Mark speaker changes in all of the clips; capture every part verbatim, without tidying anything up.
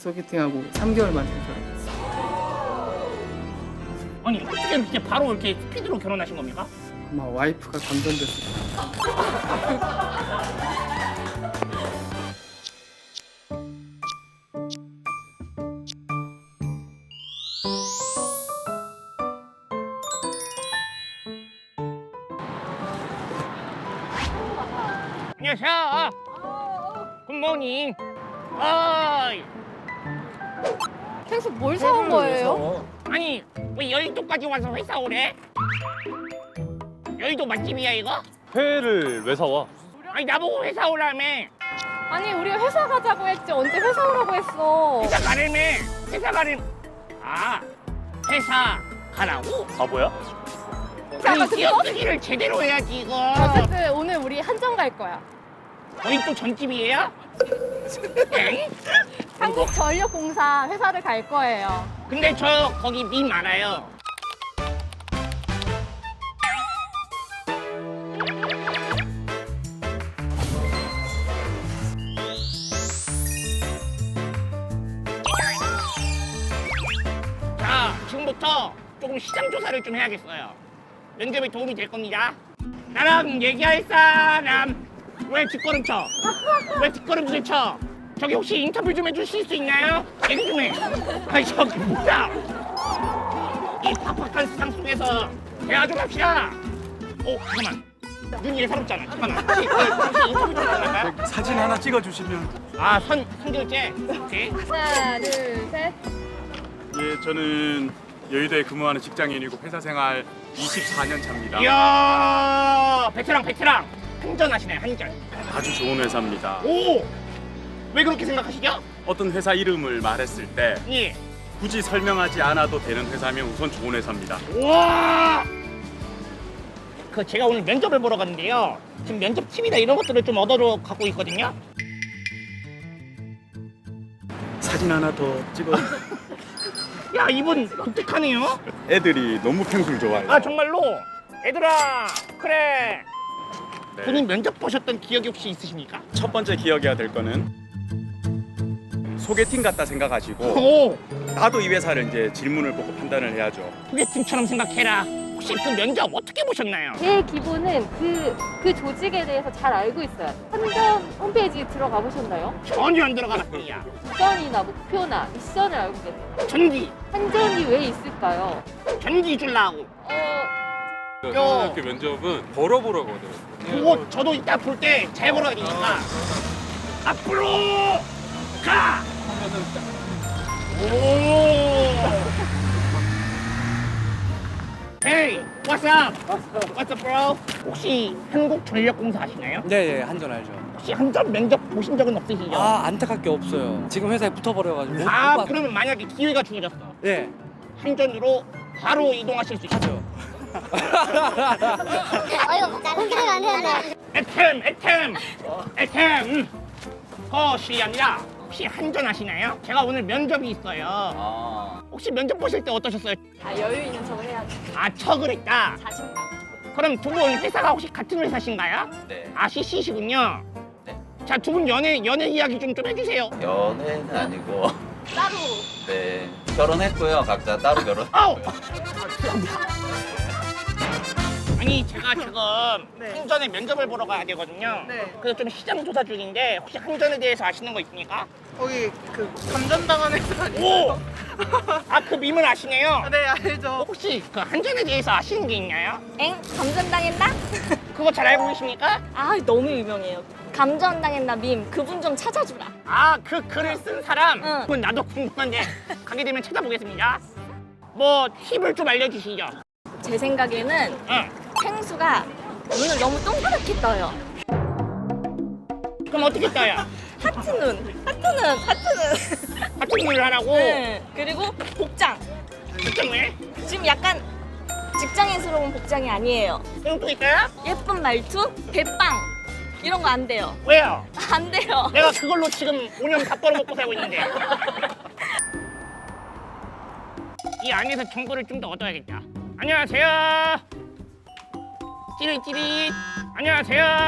Speaker 1: 소개팅하고 삼 개월 만에 결혼했어요.
Speaker 2: 아니 어떻게 이렇게 바로 이렇게 스피드로 결혼하신 겁니까?
Speaker 1: 아마 와이프가 감전됐을 거예요.
Speaker 2: 안녕하세요. 굿모닝. 어이.
Speaker 3: 계속 뭘 사온 거예요?
Speaker 2: 아니 왜 여의도까지 와서 회사 오래? 여의도 맛집이야 이거?
Speaker 4: 회를 왜 사와?
Speaker 2: 아니 나보고 회사 오라며.
Speaker 3: 아니 우리가 회사 가자고 했지 언제 회사 오라고 했어?
Speaker 2: 회사 가려며. 회사 가려. 아 회사 가라고?
Speaker 4: 바보야?
Speaker 2: 아니 기억쓰기를 제대로 해야지 이거.
Speaker 3: 어쨌든 오늘 우리 한정 갈 거야.
Speaker 2: 거기 또 전집이에요? 엥?
Speaker 3: 한국전력공사 회사를 갈 거예요.
Speaker 2: 근데 저 거기 밈 알아요. 자, 지금부터 조금 시장 조사를 좀 해야겠어요. 면접에 도움이 될 겁니다. 나랑 얘기할 사람 왜 뒷걸음쳐? 왜 뒷걸음질 쳐? 저기 혹시 인터뷰 좀 해주실 수 있나요? 얘기 좀 해. 아니 저기 뭐야? 이 팍팍한 세상 속에서 대화 좀 합시다. 오 잠깐만. 눈이 예사롭잖아. 잠깐만. 혹시, 혹시 인터뷰 좀 가능할까요?
Speaker 5: 사진 하나 찍어주시면.
Speaker 2: 아, 선, 선결제? 오케이.
Speaker 3: 하나, 둘, 셋.
Speaker 5: 예, 저는 여의도에 근무하는 직장인이고 회사 생활 이십사 년 차입니다.
Speaker 2: 이야, 베테랑, 베테랑. 한전하시네, 한전.
Speaker 5: 아주 좋은 회사입니다.
Speaker 2: 오! 왜 그렇게 생각하시죠?
Speaker 5: 어떤 회사 이름을 말했을 때
Speaker 2: 예.
Speaker 5: 굳이 설명하지 않아도 되는 회사면 우선 좋은 회사입니다.
Speaker 2: 우와! 그 제가 오늘 면접을 보러 갔는데요. 지금 면접 팁이나 이런 것들을 좀 얻어서 갖고 있거든요.
Speaker 5: 사진 하나 더 찍어.
Speaker 2: 야, 이분 독특하네요.
Speaker 5: 애들이 너무 펭수를 좋아해요.
Speaker 2: 아, 정말로? 얘들아, 그래.
Speaker 5: 네.
Speaker 2: 본인 면접 보셨던 기억이 혹시 있으십니까?
Speaker 5: 첫 번째 기억해야 될 거는 소개팅 같다 생각하시고
Speaker 2: 오!
Speaker 5: 나도 이 회사를 이제 질문을 보고 판단을 해야죠.
Speaker 2: 소개팅처럼 생각해라. 혹시 그 면접 어떻게 보셨나요?
Speaker 3: 제 기본은 그, 그 조직에 대해서 잘 알고 있어요. 한전 홈페이지 들어가 보셨나요?
Speaker 2: 전혀 안 들어가봤습니다.
Speaker 3: 비전이나 목표나 미션을 알고 계세요.
Speaker 2: 전기,
Speaker 3: 한전이 왜 있을까요?
Speaker 2: 전기 줄라고.
Speaker 3: 어,
Speaker 4: 고등학교 면접은 걸어보라고 하더라고요.
Speaker 2: 그거 저도 이따 볼 때 잘 걸어야 되니까. 앞으로 가! 오! Hey, what's up? What's up, bro? 혹시 한국전력공사 아시나요?
Speaker 6: 네, 네, 한전 알죠.
Speaker 2: 혹시 한전 면접 보신 적은 없으시죠?
Speaker 6: 아, 안타깝게 없어요. 지금 회사에 붙어버려가지고. 못
Speaker 2: 아,
Speaker 6: 봤-
Speaker 2: 그러면 만약에 기회가 주어졌어.
Speaker 6: 네,
Speaker 2: 한전으로 바로 이동하실 수 있어요.
Speaker 6: 하죠.
Speaker 7: 어이구, 공개를 안 했네.
Speaker 2: 에템, 에템, 에템. 허시합니다. 혹시 한전 아시나요? 제가 오늘 면접이 있어요. 혹시 면접 보실 때 어떠셨어요?
Speaker 3: 아, 여유 있는 척을 해야지.
Speaker 2: 아, 척을 했다.
Speaker 3: 자신감.
Speaker 2: 그럼 두 분 회사가 혹시 같은 회사신가요?
Speaker 8: 네.
Speaker 2: 아, 씨씨시군요.
Speaker 8: 네.
Speaker 2: 자, 두 분 연애 연애 이야기 좀 좀 해주세요.
Speaker 8: 연애는 아니고
Speaker 3: 따로.
Speaker 8: 네 결혼했고요. 각자 따로
Speaker 2: 아우!
Speaker 8: 결혼했고요.
Speaker 2: 아니 제가 지금 한전에 면접을 보러 가야 되거든요.
Speaker 1: 네.
Speaker 2: 그래서 좀 시장 조사 중인데 혹시 한전에 대해서 아시는 거 있습니까?
Speaker 1: 거기 그 감전당한 회사
Speaker 2: 오! 아, 그 밈을 아시네요?
Speaker 1: 네, 알죠.
Speaker 2: 혹시 그 한전에 대해서 아시는 게 있나요?
Speaker 7: 엥? 감전당했나?
Speaker 2: 그거 잘 알고 계십니까?
Speaker 7: 아, 너무 유명해요. 감전당했나 밈. 그분 좀 찾아주라.
Speaker 2: 아, 그 글을 쓴 사람?
Speaker 7: 응.
Speaker 2: 그건 나도 궁금한데 가게 되면 찾아보겠습니다. 뭐 팁을 좀 알려주시죠.
Speaker 7: 제 생각에는
Speaker 2: 응.
Speaker 7: 펭수가 눈을 너무 동그랗게 떠요.
Speaker 2: 그럼 어떻게 떠요?
Speaker 7: 하트 눈. 하트 눈. 하트 눈.
Speaker 2: 같은 일을 하라고?
Speaker 7: 네. 그리고 복장.
Speaker 2: 특정 왜?
Speaker 7: 지금 약간 직장인스러운 복장이 아니에요.
Speaker 2: 그럼 또 있어요?
Speaker 7: 예쁜 말투, 대빵. 이런 거 안 돼요.
Speaker 2: 왜요?
Speaker 7: 안 돼요.
Speaker 2: 내가 그걸로 지금 오 년 밥 벌어먹고 살고 있는데. 이 안에서 정보를 좀 더 얻어야겠다. 안녕하세요. 찌릿찌릿.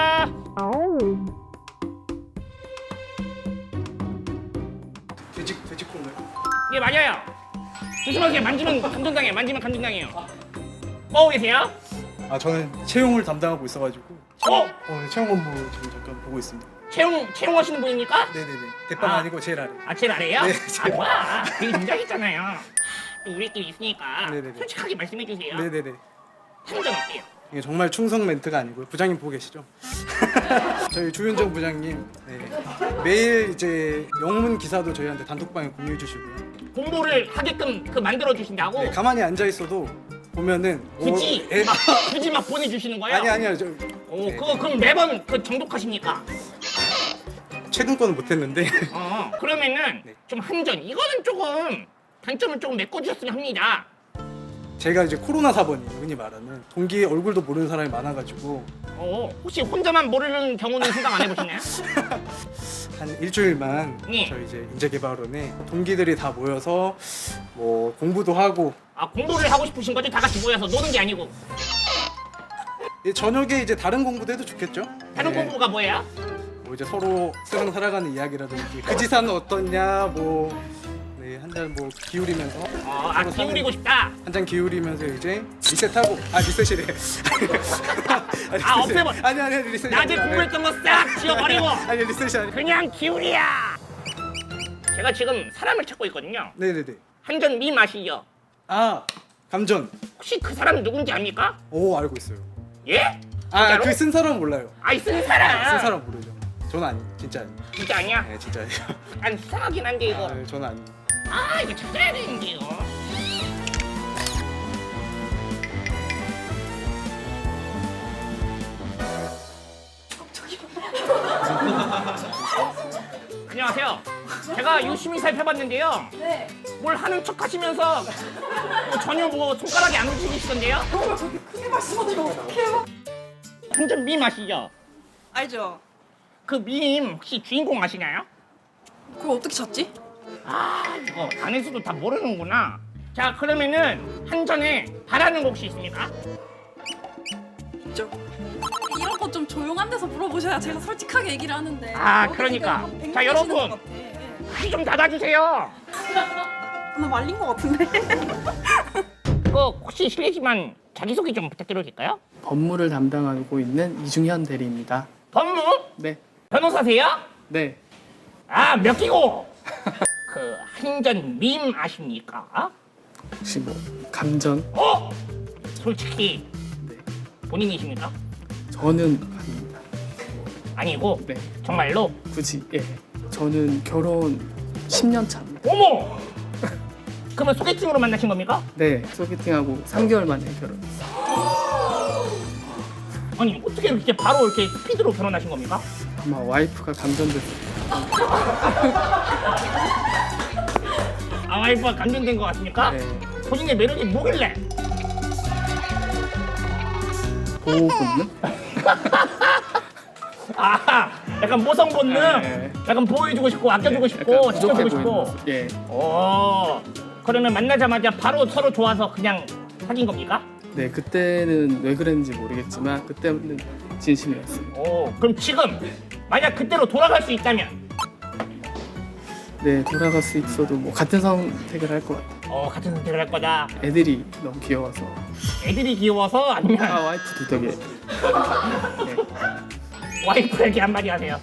Speaker 2: 안녕하세요.
Speaker 5: 퇴직
Speaker 1: 돼지콩나요?
Speaker 2: 예 맞아요. 조심하세요. 만지면 감전당해. 만지면 감전당해요. 뭐 계세요?
Speaker 9: 아 저는 채용을 담당하고 있어가지고
Speaker 2: 어?
Speaker 9: 어, 채용 업무 지금 잠깐 보고 있습니다.
Speaker 2: 채용 채용하시는 분입니까?
Speaker 9: 네네네. 대빵
Speaker 2: 아.
Speaker 9: 아. 니고 제일 아래.
Speaker 2: 아 제일 아래요?
Speaker 9: 네,
Speaker 2: 아
Speaker 9: 제일
Speaker 2: 뭐야? 되게 긴장했잖아요. 또 우리끼리 있으니까
Speaker 9: 네네네.
Speaker 2: 솔직하게 말씀해 주세요.
Speaker 9: 네네네.
Speaker 2: 한전 어때요?
Speaker 9: 이게 정말 충성 멘트가 아니고요. 부장님 보고 계시죠? 저희 주윤정 부장님 네. 매일 이제 영문 기사도 저희한테 단톡방에 공유해 주시고요.
Speaker 2: 공부를 하게끔 그 만들어 주신다고?
Speaker 9: 네, 가만히 앉아 있어도 보면은
Speaker 2: 굳이
Speaker 9: 오, 예.
Speaker 2: 막 굳이 막 보내주시는 거예요?
Speaker 9: 아니 아니요. 저
Speaker 2: 오,
Speaker 9: 네,
Speaker 2: 그거 그럼 매번 그 정독하십니까?
Speaker 9: 최근 거는 못했는데
Speaker 2: 어, 그러면은
Speaker 9: 네.
Speaker 2: 좀 한전 이거는 조금 단점을 조금 메꿔주셨으면 합니다.
Speaker 9: 제가 이제 코로나 사번이 흔히 말하는 동기 얼굴도 모르는 사람이 많아가지고
Speaker 2: 어, 혹시 혼자만 모르는 경우는 생각 안 해보시나요?
Speaker 9: 한 일주일만
Speaker 2: 네.
Speaker 9: 저희 이제 인재개발원에 동기들이 다 모여서 뭐 공부도 하고
Speaker 2: 아 공부를 하고 싶으신 거죠? 다 같이 모여서 노는 게 아니고
Speaker 9: 이 저녁에 이제 다른 공부도 해도 좋겠죠?
Speaker 2: 다른
Speaker 9: 네.
Speaker 2: 공부가 뭐예요?
Speaker 9: 뭐 이제 서로 세상 살아가는 이야기라든지 그 지사는 어떻냐 뭐 네, 한 잔 뭐 기울이면서
Speaker 2: 어, 아
Speaker 9: 서로
Speaker 2: 기울이고 싶다.
Speaker 9: 한 잔 기울이면서 이제 리셋하고 아 리셋이래
Speaker 2: 아, 없애버-
Speaker 9: 아니 아니 아니 리셋이
Speaker 2: 낮에
Speaker 9: 아니라,
Speaker 2: 공부했던 거 싹 지워버리고
Speaker 9: 아니 리셋이 아니
Speaker 2: 그냥 기울이야. 제가 지금 사람을 찾고 있거든요.
Speaker 9: 네네네
Speaker 2: 한전 미 마시죠?
Speaker 9: 아 감전
Speaker 2: 혹시 그 사람 누군지 압니까?
Speaker 9: 오 알고 있어요
Speaker 2: 예? 진짜로?
Speaker 9: 아그 쓴 사람 몰라요
Speaker 2: 아이 쓴 사람.
Speaker 9: 쓴 사람 모르죠 저는 아니 진짜 아니
Speaker 2: 진짜 아니야?
Speaker 9: 네 진짜 아니에요
Speaker 2: 난 수상하긴 한데 이거.
Speaker 9: 아, 네, 저는 아니
Speaker 2: 아 이거 찾아야 되는데요. 안녕하세요. 제가 유심히 살펴봤는데요.
Speaker 3: 네.
Speaker 2: 뭘 하는 척 하시면서 뭐 전혀 뭐 손가락이 안 움직이시던데요?
Speaker 10: 크게 말씀하시면 어떡해요?
Speaker 2: 한전 밈 아시죠?
Speaker 10: 알죠?
Speaker 2: 그 밈 혹시 주인공 아시나요?
Speaker 10: 그걸 어떻게 찾지?
Speaker 2: 아 이거 안에서도 다 모르는구나. 자 그러면은 한전에 바라는 거 혹시 있습니까?
Speaker 10: 있죠. 이런 거 좀 조용한 데서 물어보셔야 제가 솔직하게 얘기를 하는데.
Speaker 2: 아,
Speaker 10: 여기서
Speaker 2: 그러니까.
Speaker 10: 그냥
Speaker 2: 자,
Speaker 10: 뱅뱅하시는
Speaker 2: 여러분.
Speaker 10: 것 같아.
Speaker 2: 귀 좀 닫아주세요.
Speaker 10: 나 말린 것 같은데.
Speaker 2: 그 혹시 실례지만 자기소개 좀 부탁드려도 될까요?
Speaker 1: 법무를 담당하고 있는 이중현 대리입니다.
Speaker 2: 법무?
Speaker 1: 네,
Speaker 2: 변호사세요?
Speaker 1: 네.
Speaker 2: 아 몇 기고? 그 한전 밈 아십니까?
Speaker 1: 혹시 뭐 감전?
Speaker 2: 어? 솔직히
Speaker 1: 네.
Speaker 2: 본인이십니까?
Speaker 1: 저는 아닙니다.
Speaker 2: 아니고
Speaker 1: 네,
Speaker 2: 정말로?
Speaker 1: 굳이 예. 저는 결혼 십 년 차입니다.
Speaker 2: 어머! 그러면 소개팅으로 만나신 겁니까?
Speaker 1: 네, 소개팅하고 삼 개월 만에 결혼했어요.
Speaker 2: 아니 어떻게 이렇게 바로 이렇게 스피드로 결혼하신 겁니까?
Speaker 1: 아마 와이프가 감전됐어요.
Speaker 2: 아 와이프가 감전된 것 같습니까?
Speaker 1: 네,
Speaker 2: 본인의 매력이 뭐길래?
Speaker 1: 보호 본능?
Speaker 2: 아 약간 모성 본능?
Speaker 1: 네.
Speaker 2: 약간 보호해주고 싶고 아껴주고 싶고
Speaker 1: 약간
Speaker 2: 지켜주고
Speaker 1: 부족해 보이는
Speaker 2: 싶고
Speaker 1: 모습. 예,
Speaker 2: 오 그러면 만나자마자 바로 서로 좋아서 그냥 사귄 겁니까?
Speaker 1: 네, 그때는 왜 그랬는지 모르겠지만 그때는 진심이었습니다.
Speaker 2: 오 그럼 지금 만약 그때로 돌아갈 수 있다면
Speaker 1: 네, 돌아갈 수 있어도 뭐 같은 선택을 할 것 같아요.
Speaker 2: 어 같은 선택을 할 거다.
Speaker 1: 애들이 너무 귀여워서.
Speaker 2: 애들이 귀여워서 아니면
Speaker 1: 아, 와이프도 되게 네.
Speaker 2: 와이프에게 한마디 하세요.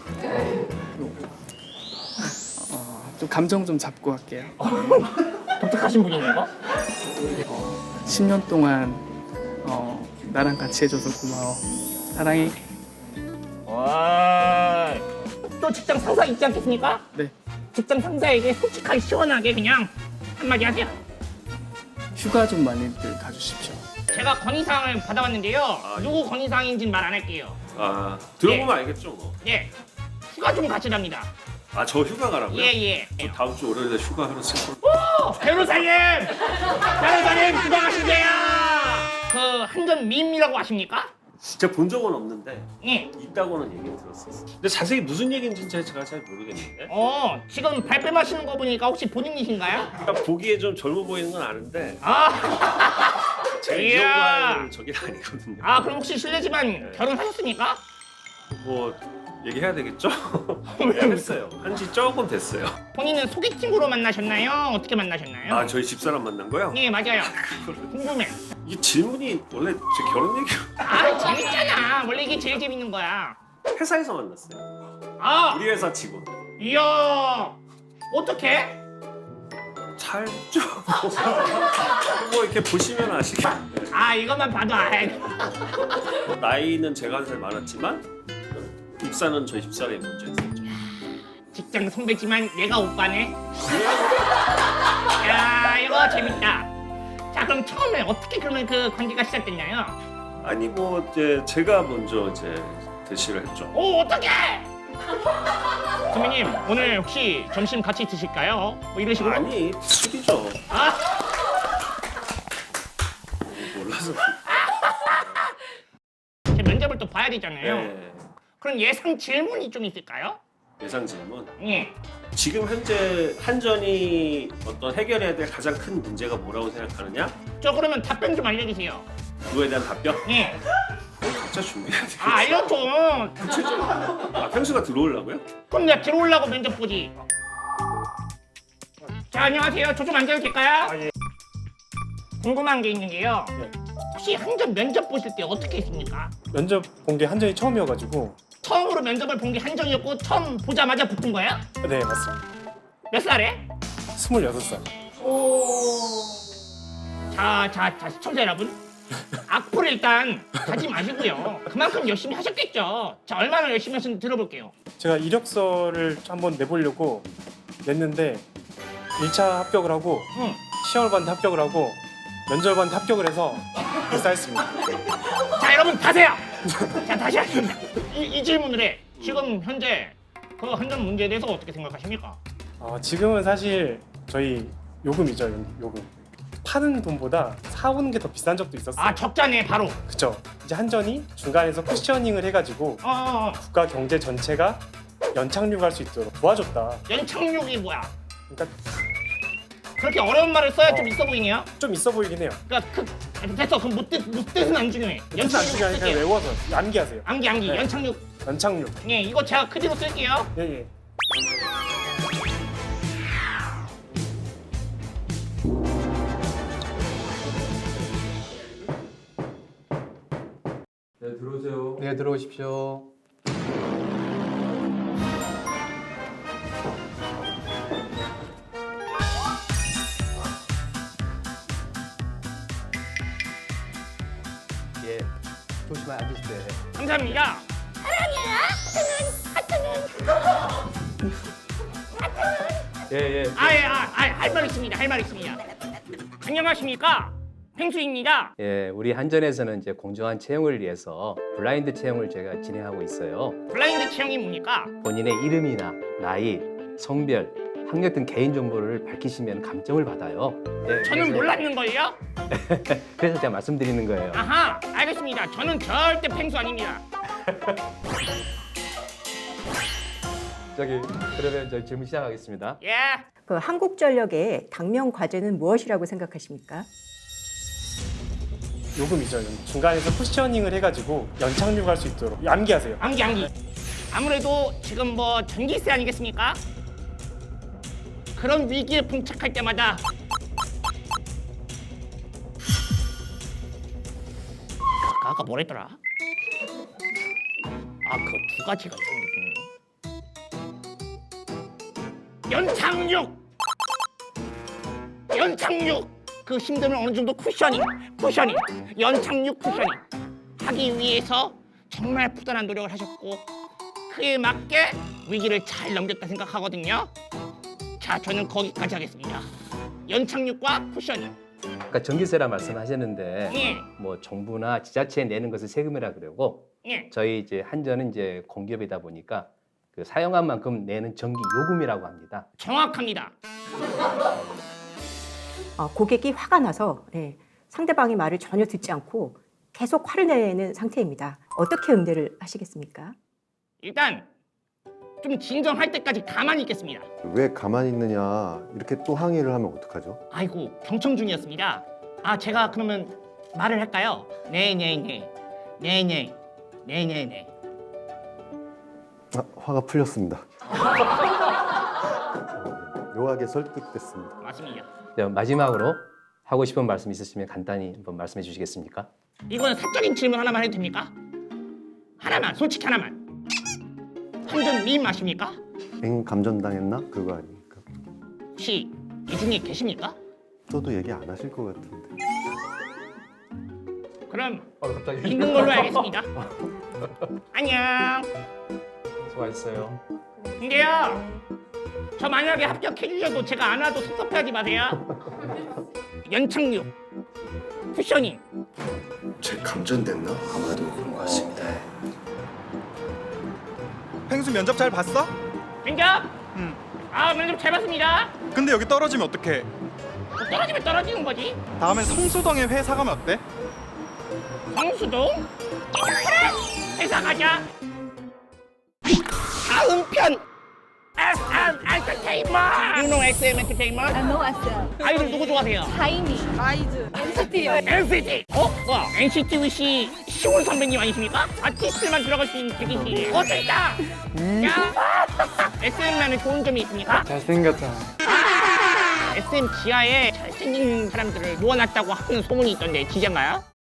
Speaker 1: 어, 좀 감정 좀 잡고 할게요.
Speaker 2: 독특하신 분이네요. 이거?
Speaker 1: 십 년 동안 어, 나랑 같이 해줘서 고마워. 사랑해.
Speaker 2: 와, 또 직장 상사 있지 않겠습니까?
Speaker 1: 네,
Speaker 2: 직장 상사에게 솔직하게 시원하게 그냥 한마디 하세요.
Speaker 1: 휴가 좀 많이들 가주십시오.
Speaker 2: 제가 건의사항을 받아왔는데요. 누구 건의사항인지는 말 안 할게요.
Speaker 11: 아 들어보면 알겠죠 뭐.
Speaker 2: 예, 휴가 좀 가시랍니다.
Speaker 11: 아 저 휴가 가라고요?
Speaker 2: 예, 예.
Speaker 11: 다음 주 월요일에 휴가 하러 생각.
Speaker 2: 오, 변호사님! 변호사님, 휴가 가시게요! 그 한전 밈이라고 아십니까?
Speaker 11: 진짜 본 적은 없는데
Speaker 2: 예.
Speaker 11: 있다고는 얘기 들었었어. 근데 자세히 무슨 얘기인지 제가 잘 모르겠는데.
Speaker 2: 어, 지금 발뺌하시는 거 보니까 혹시 본인이신가요?
Speaker 11: 그러니까 보기에 좀 젊어 보이는 건 아는데
Speaker 2: 아,
Speaker 11: 제가 이
Speaker 2: 이야.
Speaker 11: 정도 할 저긴 아니거든요.
Speaker 2: 아 그럼 혹시 실례지만 결혼하셨습니까?
Speaker 11: 뭐 얘기해야 되겠죠? 했어요. 한지 조금 됐어요.
Speaker 2: 본인은 소개팅으로 만나셨나요? 어떻게 만나셨나요?
Speaker 11: 아 저희 집사람 만난 거요?
Speaker 2: 네 맞아요. 궁금해.
Speaker 11: 이 질문이 원래 제 결혼 얘기
Speaker 2: 아 재밌잖아. 원래 이게 제일 재밌는 거야.
Speaker 11: 회사에서 만났어요.
Speaker 2: 아
Speaker 11: 우리 회사 직원.
Speaker 2: 이야 어떻게?
Speaker 11: 잘죠. 뭐 이렇게 보시면 아시겠.
Speaker 2: 아 이것만 봐도 알.
Speaker 11: 나이는 제가 한 살 많았지만 입사는 저희 집사람이 먼저 했었죠.
Speaker 2: 직장 선배지만 얘가 오빠네. 야 이거 재밌다. 자 그럼 처음에 어떻게 그러면 그 관계가 시작됐나요?
Speaker 11: 아니 뭐 이제 제가 먼저 이제 대시를 했죠.
Speaker 2: 오 어떡해! 선배님 오늘 혹시 점심 같이 드실까요? 뭐 이런 식으로?
Speaker 11: 아니 술이죠.
Speaker 2: 아
Speaker 11: 몰라서.
Speaker 2: 제 면접을 또 봐야 되잖아요.
Speaker 11: 네.
Speaker 2: 그럼 예상 질문이 좀 있을까요?
Speaker 11: 예상 질문.
Speaker 2: 예.
Speaker 11: 지금 현재 한전이 어떤 해결해야 될 가장 큰 문제가 뭐라고 생각하느냐?
Speaker 2: 저 그러면 답변 좀 알려주세요.
Speaker 11: 그거에 대한 답변?
Speaker 2: 예.
Speaker 11: 각자 준비해야 되겠지.
Speaker 2: 아 알려줘.
Speaker 11: 아, 평수가 들어오려고요?
Speaker 2: 그럼 내가 들어오려고 면접 보지. 자 안녕하세요. 저 좀 앉아도 될까요?
Speaker 5: 아, 예.
Speaker 2: 궁금한 게 있는데요.
Speaker 5: 네.
Speaker 2: 혹시 한전 면접 보실 때 어떻게 했습니까?
Speaker 5: 면접 본 게 한전이 처음이어가지고.
Speaker 2: 처음으로 면접을 본 게 한전이었고 처음 보자마자 붙은 거예요?
Speaker 5: 네 맞습니다.
Speaker 2: 몇 살에?
Speaker 5: 스물여섯 살.
Speaker 2: 자, 자, 자 시청자 여러분. 악플 일단 가지 마시고요. 그만큼 열심히 하셨겠죠. 자, 얼마나 열심히 하셨는지 들어볼게요.
Speaker 5: 제가 이력서를 한번 내보려고 냈는데 일 차 합격을 하고
Speaker 2: 응.
Speaker 5: 시험을 봤는데 합격을 하고 면접을 봤는데 합격을 해서 입사했습니다.
Speaker 2: 자, 여러분 타세요. 자, 다시 하겠습니다. 이, 이 질문을 해. 지금 현재 그 한전 문제에 대해서 어떻게 생각하십니까?
Speaker 5: 어, 지금은 사실 저희 요금이죠, 요금. 파는 돈보다 사오는 게 더 비싼 적도 있었어요.
Speaker 2: 아, 적자네 바로.
Speaker 5: 그쵸. 이제 한전이 중간에서 쿠셔닝을 해가지고
Speaker 2: 어, 어, 어.
Speaker 5: 국가 경제 전체가 연착륙할 수 있도록 도와줬다.
Speaker 2: 연착륙이 뭐야?
Speaker 5: 그러니까
Speaker 2: 그렇게 어려운 말을 써야
Speaker 5: 어.
Speaker 2: 좀 있어 보이네요.
Speaker 5: 좀 있어 보이긴 해요.
Speaker 2: 그러니까 그 됐어. 그럼 못 뜻, 못 뜻은 안 중요해.
Speaker 5: 뜻은 안 중요하니까 그냥
Speaker 2: 쓸게요.
Speaker 5: 외워서 암기하세요.
Speaker 2: 암기 암기
Speaker 5: 네.
Speaker 2: 연착륙.
Speaker 5: 연착륙.
Speaker 2: 예, 이거 제가 그대로 쓸게요.
Speaker 5: 예, 예.
Speaker 6: 네, 들어오세요.
Speaker 9: 네, 들어오십시오. 예, 조심히 앉으세요.
Speaker 2: 감사합니다.
Speaker 6: 예, 예.
Speaker 2: 아예 아, 할 말 있습니다. 할 말 있습니다. 안녕하십니까? 펭수입니다.
Speaker 12: 예, 우리 한전에서는 이제 공정한 채용을 위해서 블라인드 채용을 제가 진행하고 있어요.
Speaker 2: 블라인드 채용이 뭡니까?
Speaker 12: 본인의 이름이나 나이, 성별, 학력 등 개인 정보를 밝히시면 감점을 받아요. 예,
Speaker 2: 저는
Speaker 12: 그래서-
Speaker 2: 몰랐는걸요?
Speaker 12: 그래서 제가 말씀드리는 거예요.
Speaker 2: 아하, 알겠습니다. 저는 절대 펭수 아닙니다.
Speaker 12: 저기 그러면 저 질문 시작하겠습니다.
Speaker 2: 예.
Speaker 13: 그 한국전력의 당면 과제는 무엇이라고 생각하십니까?
Speaker 5: 요금이죠. 중간에서 쿠셔닝을 해가지고 연착륙할 수 있도록 암기하세요.
Speaker 2: 암기 암기. 아무래도 지금 뭐 전기세 아니겠습니까? 그런 위기에 봉착할 때마다 아까, 아까 뭐랬더라? 아, 그 두 가지가 있었는데 연착륙! 연착륙! 그 힘듦을 어느 정도 쿠셔닝, 쿠셔닝, 연착륙 쿠셔닝 하기 위해서 정말 부단한 노력을 하셨고 그에 맞게 위기를 잘 넘겼다 생각하거든요. 자, 저는 거기까지 하겠습니다. 연착륙과 쿠셔닝.
Speaker 12: 아까 전기세라 말씀하셨는데
Speaker 2: 예.
Speaker 12: 뭐 정부나 지자체에 내는 것을 세금이라 그러고
Speaker 2: 예.
Speaker 12: 저희 이제 한전은 이제 공기업이다 보니까 그 사용한 만큼 내는 전기 요금이라고 합니다.
Speaker 2: 정확합니다.
Speaker 13: 어, 고객이 화가 나서 네, 상대방의 말을 전혀 듣지 않고 계속 화를 내는 상태입니다. 어떻게 응대를 하시겠습니까?
Speaker 2: 일단 좀 진정할 때까지 가만히 있겠습니다.
Speaker 14: 왜 가만히 있느냐 이렇게 또 항의를 하면 어떡하죠?
Speaker 2: 아이고, 경청 중이었습니다. 아, 제가 그러면 말을 할까요? 네네네, 네네, 네네네.
Speaker 14: 화, 화가 풀렸습니다. 묘하게 설득됐습니다.
Speaker 2: 맞습니다.
Speaker 12: 자, 마지막으로 하고 싶은 말씀 있으시면 간단히 한번 말씀해 주시겠습니까?
Speaker 2: 이거는 사적인 질문 하나만 해도 됩니까? 하나만, 솔직히 하나만. 한전 밈 아십니까?
Speaker 14: 엥 감전당했나? 그거 아닙니까?
Speaker 2: 혹시 이 중에 계십니까?
Speaker 14: 저도 얘기 안 하실 것 같은데.
Speaker 2: 그럼
Speaker 12: 어, 갑자기
Speaker 2: 있는 걸로 알겠습니다. 안녕.
Speaker 12: 수고하셨어요.
Speaker 2: 근데요, 저 만약에 합격해 주셔도 제가 안 와도 섭섭해하지 마세요. 연착륙, 쿠셔닝.
Speaker 14: 제 감전됐나? 아마도 그런 것 같습니다.
Speaker 15: 펭수 면접 잘 봤어?
Speaker 2: 면접? 응. 아, 면접 잘 봤습니다.
Speaker 15: 근데 여기 떨어지면 어떡해?
Speaker 2: 뭐 떨어지면 떨어지는 거지.
Speaker 15: 다음엔 성수동에 회사 가면 어때?
Speaker 2: 성수동? 그래! 회사 가자. 다음 편! 에스엠 엔터테인먼트! You know 에스엠 엔터테인먼트?
Speaker 7: I know 에스엠.
Speaker 2: 아이돌 누구 좋아하세요?
Speaker 7: 타이니.
Speaker 10: 아이즈.
Speaker 7: 엔시티요.
Speaker 2: 엔시티! 어? 와, 엔시티 위시 시온 선배님 아니십니까? 아티스트만 들어갈 수 있는 대기실. 어, 저 있다! 야! 에스엠만은 좋은 점이 있습니까?
Speaker 1: 잘생겼잖아.
Speaker 2: 에스엠 지하에 잘생긴 사람들을 모아놨다고 하는 소문이 있던데 진짜인가요?